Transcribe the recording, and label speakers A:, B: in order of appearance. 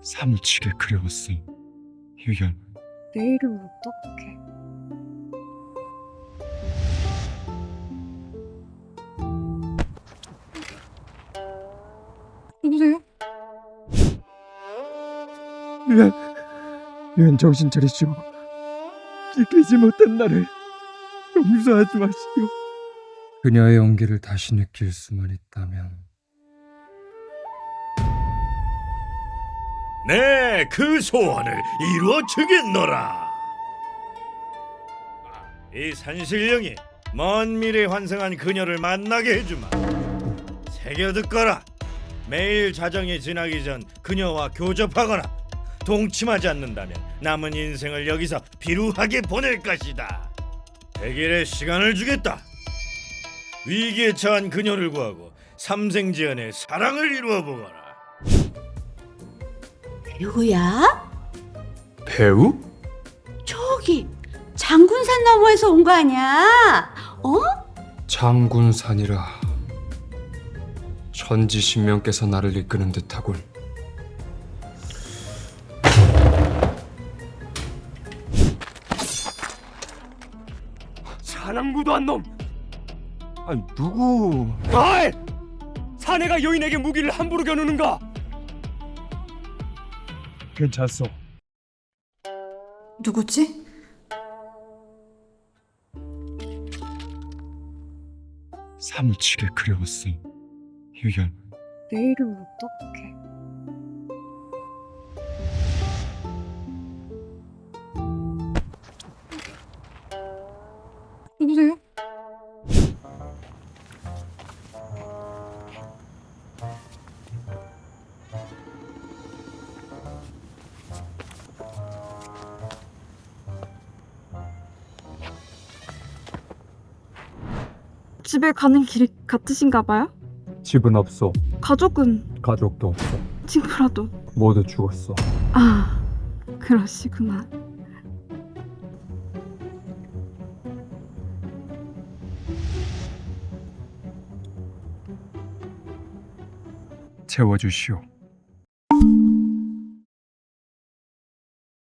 A: 사무치게 그리웠어. 유연.
B: 내일은 어떡해? 누구세요?
A: 유연 정신 차리시오. 지키지 못한 나를 용서하지 마시오. 그녀의 온기를 다시 느낄 수만 있다면.
C: 네, 그 소원을 이루어 주겠노라. 이 산신령이 먼 미래에 환생한 그녀를 만나게 해주마. 새겨 듣거라. 매일 자정이 지나기 전 그녀와 교접하거나 동침하지 않는다면 남은 인생을 여기서 비루하게 보낼 것이다. 100일의 시간을 주겠다. 위기에 처한 그녀를 구하고 삼생지연의 사랑을 이루어 보거라.
D: 누구야?
A: 배우?
D: 저기 장군산 너머에서 온 거 아니야? 어?
A: 장군산이라 천지신명께서 나를 이끄는 듯하군. 사랑구도한 놈! 아니 누구? 아이! 사내가 여인에게 무기를 함부로 겨누는가? 괜찮소.
B: 누구지?
A: 사무치게 그리웠어. 유연.
B: 내일은 어떡해? 누구세요?
E: 집에 가는 길이 같으신가 봐요?
A: 집은 없어.
E: 가족은?
A: 가족도 없어.
E: 친구라도?
A: 모두 죽었어.
E: 아, 그러시구나.
A: 채워주시오.